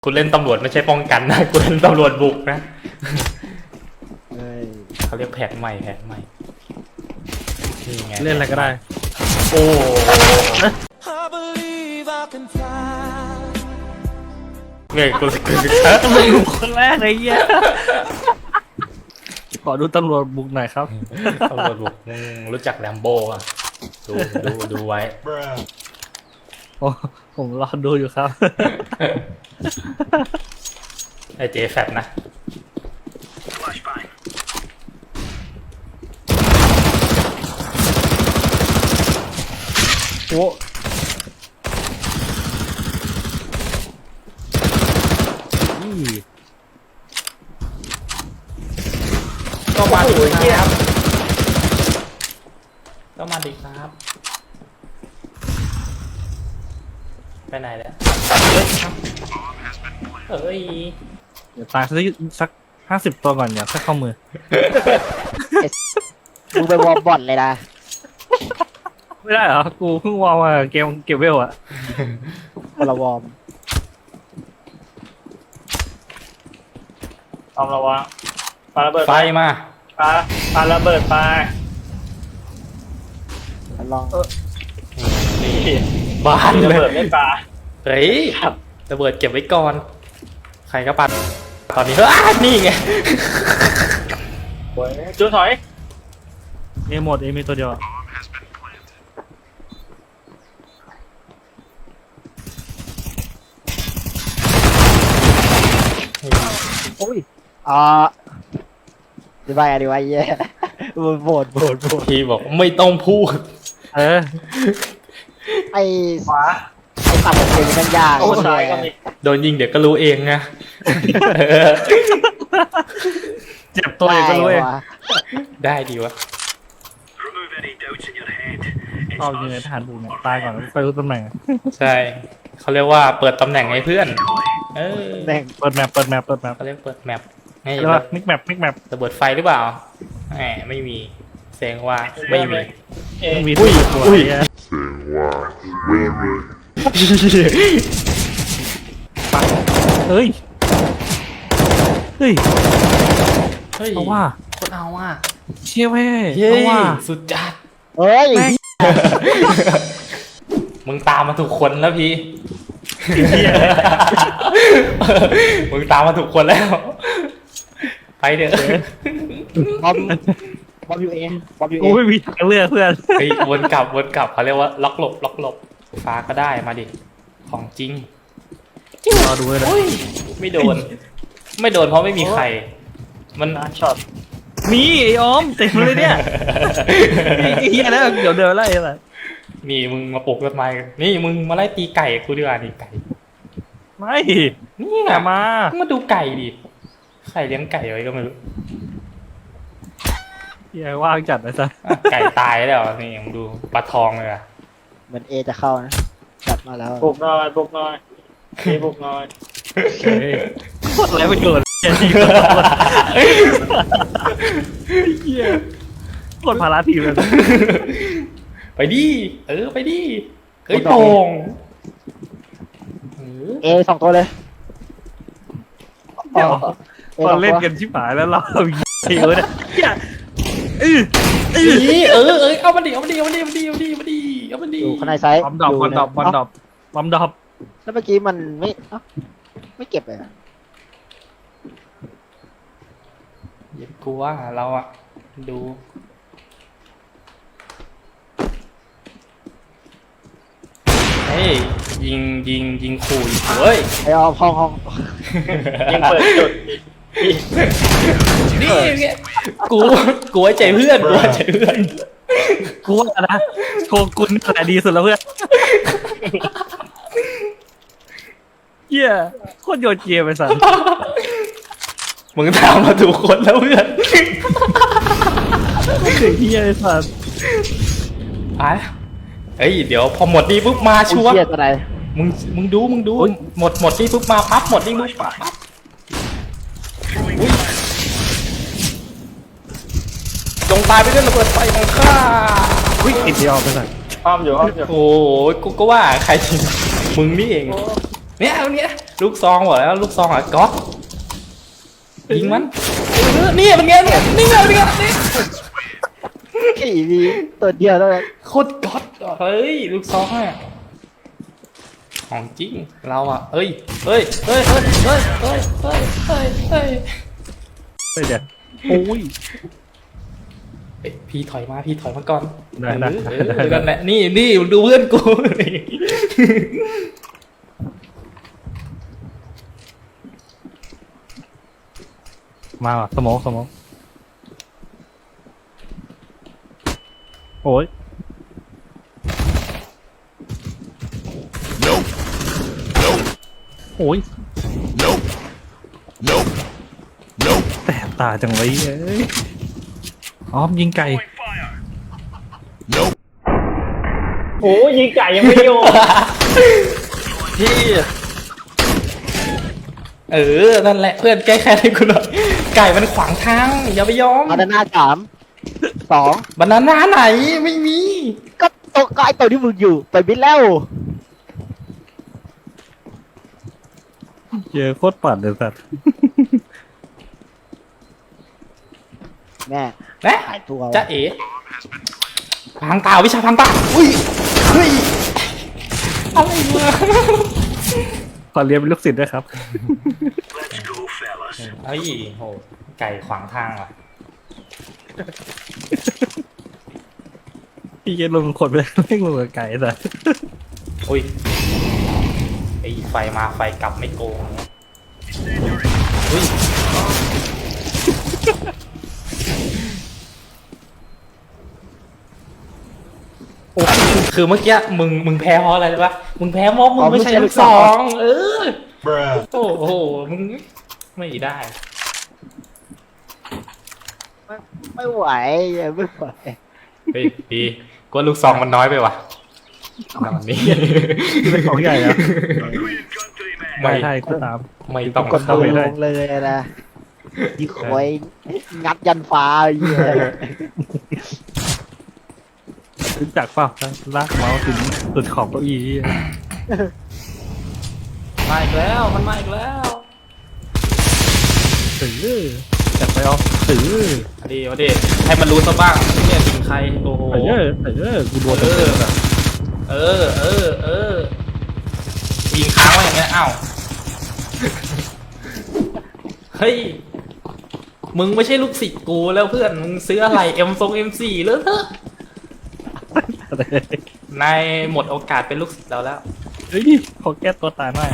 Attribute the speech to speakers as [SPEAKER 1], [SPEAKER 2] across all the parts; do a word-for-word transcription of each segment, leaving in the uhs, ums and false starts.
[SPEAKER 1] คุณเล่นตำรวจไม่ใช่ป้องกันนะคุณเล่นตำรวจบุกนะเขาเรียกแผนใหม่แผนใหม่
[SPEAKER 2] เล่นอะไรก็ได้
[SPEAKER 1] โอ้เงยกูกู
[SPEAKER 2] ตำรวจบุกคนแรกเลยเงี้ยขอดูตำรวจบุกหน่อยครับ
[SPEAKER 1] ตำรวจบุกรู้จักแลมโบ้อ่ะดูดูดูไว้
[SPEAKER 2] โอ้ผมรอดูอยู่ครับ
[SPEAKER 1] ไอเจแฟตนะ
[SPEAKER 2] โอ้
[SPEAKER 1] ก็มาดิครับก็มาดิครับไปไหนแล้วเฮ้ย
[SPEAKER 2] เดี๋ยวตายสักสักห้าสิบตัวก่อนอย่าแค่เข้ามือ
[SPEAKER 3] มึงไปวอร์มบ่อนเลยนะ
[SPEAKER 2] ไม่ได้เหรอกูเพิ่งวอร์มมาเกมเก็บเวลอะ
[SPEAKER 3] คนละวอร์ม
[SPEAKER 4] ทำระวังปาระเบิด
[SPEAKER 1] ไฟมา
[SPEAKER 4] ปาปาระเบิดไป
[SPEAKER 3] ลอง
[SPEAKER 1] นี่บ้านเลย
[SPEAKER 4] ระเบิดไม่ปา
[SPEAKER 1] เฮ้ยระเบิดเก็บไว้ก่อนใครก็ปัดตอนนี้เฮ้ยนี่ไง
[SPEAKER 4] จุดถอย
[SPEAKER 2] เอหมดเอมีตัวเดียว
[SPEAKER 3] โอ้ยอ่าดีไปอ่ะดีไปเย่โหวตโหวตโหวต
[SPEAKER 1] พี่บอกไม่ต้องพูด
[SPEAKER 2] เออ
[SPEAKER 3] ไอ้
[SPEAKER 4] ขวา
[SPEAKER 3] ไอ้ขับรถเก่งกันยาก
[SPEAKER 4] โอ้ซ้ายก็มี
[SPEAKER 1] โดนยิงเดี๋ยวก็รู้เองนะ
[SPEAKER 2] เจ็บตัวเองก็รู้เอง
[SPEAKER 1] ได้ดีวะ
[SPEAKER 2] เอาอยู่ในทหารบุกเนี่ยตายก่อนไปรู้ตำแหน่ง
[SPEAKER 1] ใช่เขาเรียกว่าเปิดตำแหน่งให้เพื่อนเออ
[SPEAKER 2] เปิดแมปเปิดแมปเปิดแมป
[SPEAKER 1] เขาเรียกเปิดแมปให้
[SPEAKER 2] มิกแมปมิกแมประ
[SPEAKER 1] เบิดไฟหรือเปล่าแหมไม่มีเสียงว่าไม่มี
[SPEAKER 2] ไม่มีอุ้ยอุ้ยเสียงว่าไม่มีเฮ้ยเฮ้ยเอาว่า
[SPEAKER 1] คนเอาว่า
[SPEAKER 2] เชี่ยเว้ย
[SPEAKER 1] เอาว่าสุดจัด
[SPEAKER 3] เฮ้ย
[SPEAKER 1] มึงตามมาถูกคนแล้วพี่มึงตามมาถูกคนแล้วไปเด้อบ
[SPEAKER 3] อมบอมยูเองบอมยูเอ
[SPEAKER 2] งไม่มีทางเลือกเพื่อน
[SPEAKER 1] เฮ้ยวนกลับวนกลับเขาเรียกว่าล็อกหลบล็อกหลบฟ้าก็ได้มาดิของจริง
[SPEAKER 2] รอดูเลย
[SPEAKER 1] ไม่โดนไม่โดนเพราะไม่มีใครมัน
[SPEAKER 4] ช็อต
[SPEAKER 2] มีไอ้ออมเต็มเลยเนี่ยไอ้เหี้ยแล้วเดี๋ยวเดินไล่อะไร
[SPEAKER 1] นี่มึงมาปลุกต้นไม้นี่มึงมาไล่ตีไก่กูดีกว่านี่ไก่
[SPEAKER 2] ไม่
[SPEAKER 1] นี่ไงมามาดูไก่ดิใครเลี้ยงไก่ไว้ก็ไม่รู้
[SPEAKER 2] เหี้ยว่างจัดเลยซะ
[SPEAKER 1] ไก่ตายแล้วนี่มึงดูปลาทองเลยอะ
[SPEAKER 3] เหมือนเอจะเข้านะจัดมาแล้ว
[SPEAKER 4] ปลุกหน่อยปลุกหน่อยเอปลุกหน่อย
[SPEAKER 2] โคตรไรประโยชน์เหี้ยโคตรภาระทีมเลย
[SPEAKER 1] ไปดิเออไปดิเฮ้ยโป่ง
[SPEAKER 3] เอสองตัวเลย
[SPEAKER 2] เดี๋ยวตอนเล่นกันชิบหายแล้วเราเฮียเลยเนี่ยเออเออ
[SPEAKER 1] เออเออเอามาดิเอามาดิเอามาดิเอามาดิเอามาดิเอามาดิเอามาดิ
[SPEAKER 3] อยู่ข้างในไซส์
[SPEAKER 2] บอมดรอปบอมดรอปบอมดรอปบอมดรอป
[SPEAKER 3] แล้วเมื่อกี้มันไม่ไม่เก็บเลย
[SPEAKER 1] อย่ากลัวเราอะดูเฮ้ยยิงยิงยิงขู่เฮ้ย
[SPEAKER 3] ไอ้ออมห้องห้อง
[SPEAKER 4] ยิงเปิดจุด
[SPEAKER 1] นี่กูกูไว้ใจเพื่อนกูไว้ใจเพื่อน
[SPEAKER 2] กูว่านะโชกุนอะไรดีสุดแล้วเพื่อนเหี้ยโคตรโยนเกียร์ไปสั่น
[SPEAKER 1] มึงตามมาถูกคนแล้วเพื่อน
[SPEAKER 2] เฮ้ยเหี้ยไอ้สัส
[SPEAKER 1] ไอ้เฮ้ยเดี๋ยวพอหมดนี่ปุ๊บมาชัวร์มึงมึงดูมึงดูหมดหมดนี่ปุ๊บมาปั๊บหมดนี่ปุ๊บปั๊บจงตายไปด้วยระเบิดไฟของข้า
[SPEAKER 2] วิ่งติดยอมไปสั่น
[SPEAKER 4] ห้ามอยู่ห้ามอยู่
[SPEAKER 1] โอ้โหกูก็ว่าใครจริงมึงนี่เองเนี่ยเอาเนี้ยลูกซองบอกแล้วลูกซองอ่ะก๊อตยิงมันเออนี่เป็นไงเนี่ยนี่ไงเป็นไงนี่
[SPEAKER 3] ขี่มีตัวเดียวเท่านั้น
[SPEAKER 1] โคตรก๊อตเฮ้ยลูกซองอ่ะของจริงเราอ่ะเอ้ยเฮ้ยเฮ้ยเฮ้ยเฮ้ยเฮ้ยเฮ้ยเฮ้ยเฮ้ย
[SPEAKER 2] เฮ้ยเดี๋ยวโอ้ย
[SPEAKER 1] เอ้ยพี่ถอยมาพี่ถอยมาก่อน
[SPEAKER 2] ได้ได้
[SPEAKER 1] เออ
[SPEAKER 2] ได้
[SPEAKER 1] เออ
[SPEAKER 2] ได้
[SPEAKER 1] นั่นแหละนี่นี่ดูเพื่อนกู
[SPEAKER 2] มาว่ะสมองสมองโอ้ย
[SPEAKER 5] Nope. Nope.
[SPEAKER 2] โอ้ย
[SPEAKER 5] Nope. Nope. Nope.
[SPEAKER 2] แสบตาจังเลยเอ้ยอ๋อมยิงไก่
[SPEAKER 5] Nope.
[SPEAKER 4] โอ้ยิงไก่ยังไม่โยน
[SPEAKER 3] พี่
[SPEAKER 1] เออนั่นแหละเพื่อนแก้แค้นให้กูหน่อยไก่มันขวางทางอย่าไปยอม
[SPEAKER 3] มาด้านหน้าสามสอง
[SPEAKER 1] บานาน่าไหนไม่มี
[SPEAKER 3] ก็ตกกายตัวที่มึงอยู่ไปบิดแล้ว
[SPEAKER 2] เจอโคตรปั่นเลยสัตว์
[SPEAKER 3] แม่
[SPEAKER 1] นะ
[SPEAKER 3] หายตัว
[SPEAKER 1] จะเอ๋พังตาวิชาพังตาอุ้ยเฮ้ยอะไรวะ
[SPEAKER 2] ขอเรียนเป็นลูกศิษย์ด้วยครับ
[SPEAKER 1] เฮ้ยโหไก่ขวางทางว่ะ
[SPEAKER 2] พี่จะลงคนไปเล่นลงกับไก่สัตว์
[SPEAKER 1] อุ้ยไอไฟมาไฟกลับไม่โกงเนี่ยอุ้ยโอ้คือเมื่อกี้มึงมึงแพ้เพราะอะไรรู้ปะมึงแพ้เพราะมึงไม่ใช่ลูกซองเออ
[SPEAKER 5] Bruh.
[SPEAKER 1] โอ้โหมึงไม่ได้
[SPEAKER 3] ไม่ไหวไม่ไหว
[SPEAKER 1] เฮ้ยดีกว่าลูกซองมันน้อยไปว่ะนอนนี้
[SPEAKER 2] เป็นของใหญ่อะ
[SPEAKER 1] ไม่
[SPEAKER 2] ไม่ใช่ก็ตาม
[SPEAKER 1] ไม่ต้อง
[SPEAKER 3] กด
[SPEAKER 1] เข้า
[SPEAKER 3] มื
[SPEAKER 1] ไป
[SPEAKER 3] อ
[SPEAKER 1] เล
[SPEAKER 3] ล
[SPEAKER 1] ย
[SPEAKER 3] งเลยนะยี่ควยงัดยันฟ้าไอ้เหี้ย
[SPEAKER 2] รู้จักเปล่าลากเมาส์ถึงสุดขอบเก้าอี้
[SPEAKER 1] มาอีกแล้วมันมาอีกแล้ว
[SPEAKER 2] ถือจัดไปเอาถือ
[SPEAKER 1] มาดีมาดีให้มันรู้ซะบ้างเนี่ยยิงใครโอ้โห
[SPEAKER 2] เออเออกูโดน
[SPEAKER 1] เออเออเออเออยิงค้างไว้อย่างเงี้ยอ้าวเฮ้ยมึงไม่ใช่ลูกศิษย์กูแล้วเพื่อนมึงซื้ออะไรเอ็มทรงเอ็มสี่เลอะเทอะนายหมดโอกาสเป็นลูกศิษย์เราแล้ว
[SPEAKER 2] เฮ้ยขอแก้ตัวตายหน่อย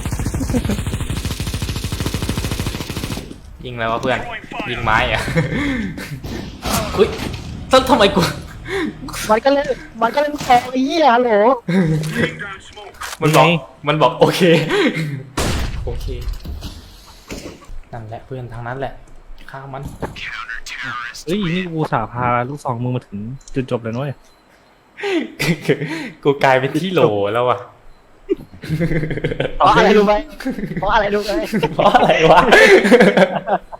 [SPEAKER 1] ยิงอะไรวะเพื่อนยิงไม้อะอุ้ยต้นทำไมกู
[SPEAKER 3] มันก็เล่นมันก็เล่นคอไอ้เหี้ยฮัลโหล
[SPEAKER 1] มันบอกมันบอกโอเคโอเคนั่นแหละเพื่อนทางนั้นแหละฆ่ามัน
[SPEAKER 2] เฮ้ยนี่กูสาพาลูกสองมึงมาถึงจุดจบเลยนุ้ย
[SPEAKER 1] กูกลายเป็นที่โหลแล้วอ่ะ
[SPEAKER 3] เพราะอะไรรู้ไหมเพราะอะไรรู้ไหม
[SPEAKER 1] เพราะอะไรวะ